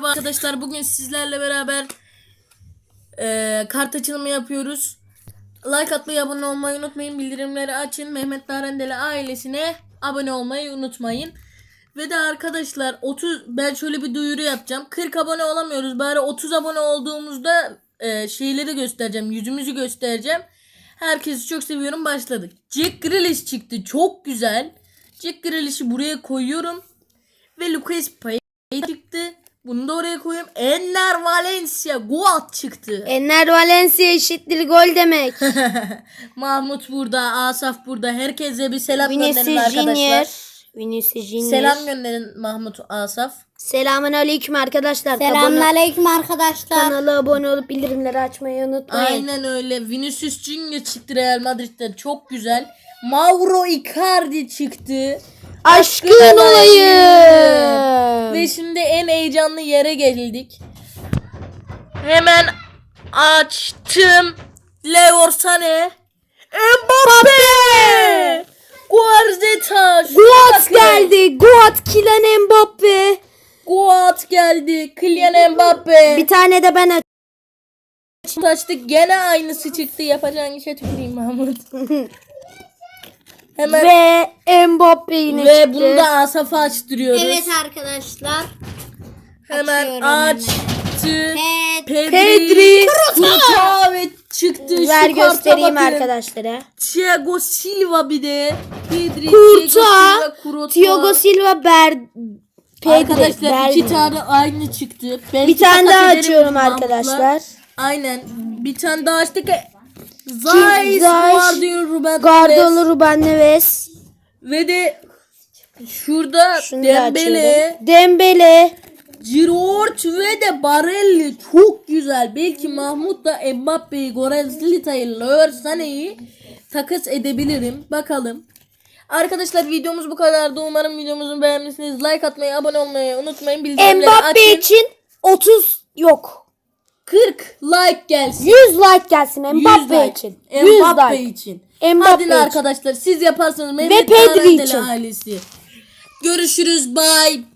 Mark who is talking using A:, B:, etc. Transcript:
A: arkadaşlar, bugün sizlerle beraber kart açılımı yapıyoruz. Like atmayı, abone olmayı unutmayın. Bildirimleri açın. Mehmet Darendeli ailesine abone olmayı unutmayın. Ve de arkadaşlar ben şöyle bir duyuru yapacağım. 40 abone olamıyoruz. Bari 30 abone olduğumuzda şeyleri göstereceğim. Yüzümüzü göstereceğim. Herkesi çok seviyorum. Başladık. Jack Grealish çıktı. Çok güzel. Jack Grealish'i buraya koyuyorum. Ve Lucas Paqueta çıktı. Bunu da oraya koyuyorum. Enner Valencia Goat çıktı.
B: Enner Valencia eşittir gol demek.
A: Mahmut burada, Asaf burada. Herkese bir selam
B: Vinicius
A: gönderin arkadaşlar.
B: Junior.
A: Selam gönderin Mahmut, Asaf.
B: Selamun aleyküm arkadaşlar.
C: Selamünaleyküm arkadaşlar.
B: Kanala abone olup bildirimleri açmayı unutmayın.
A: Aynen öyle. Vinicius Junior çıktı Real Madrid'den. Çok güzel. Mauro Icardi çıktı.
B: Aşkın olayım.
A: Ve şimdi en heyecanlı yere geldik. Hemen açtım. Leroy Sané, Mbappe, Guardeta,
B: Goat geldi. Goat Kylian Mbappe.
A: Goat geldi. Kylian Mbappe.
B: Bir tane de ben
A: Açtık, gene aynısı çıktı. Yapacağın işe tüküreyim Mahmut. Hemen
B: ve Mbappe yine
A: ve
B: çıktı.
A: bunu da Asaf'a açtırıyoruz.
C: Evet arkadaşlar.
A: Hemen
C: Açıyorum
A: açtı.
B: Pedri.
A: Kurta ve çıktı.
B: Ver
A: Şu karta
B: göstereyim
A: bakın.
B: arkadaşlara.
A: Thiago Silva bir de. Pedri,
B: Kurta,
A: Kurta.
B: Thiago Silva, Pedri.
A: Arkadaşlar iki tane aynı çıktı. Belki
B: Bir tane
A: takas
B: daha
A: ederim
B: açıyorum
A: Mahmut'la.
B: arkadaşlar.
A: Aynen. Bir tane daha açtık. Zeiss, Ruben
B: Guardiola,
A: Neves.
B: Ruben Neves.
A: Ve de şurada
B: Şunu da
A: Dembele,
B: açıyorum. Dembele.
A: Giroud ve de Barella çok güzel. Belki Mahmut da Mbappe'yi, Goretzka'yı, Leroy Sané'yi takas edebilirim. Bakalım. Arkadaşlar, videomuz bu kadardı. Umarım videomuzu beğenmişsiniz. Like atmayı, abone olmayı unutmayın. Bildirimleri
B: Mbappe
A: açın.
B: için 30 yok.
A: 40 like gelsin.
B: 100 like gelsin
A: 100
B: Mbappe
A: like.
B: için. 100
A: Mbappe
B: like.
A: için.
B: Mbappe
A: Hadi
B: için.
A: arkadaşlar, siz yaparsanız Mehmet
B: Pedri
A: Darendeli
B: için.
A: ailesi. Görüşürüz. Bye.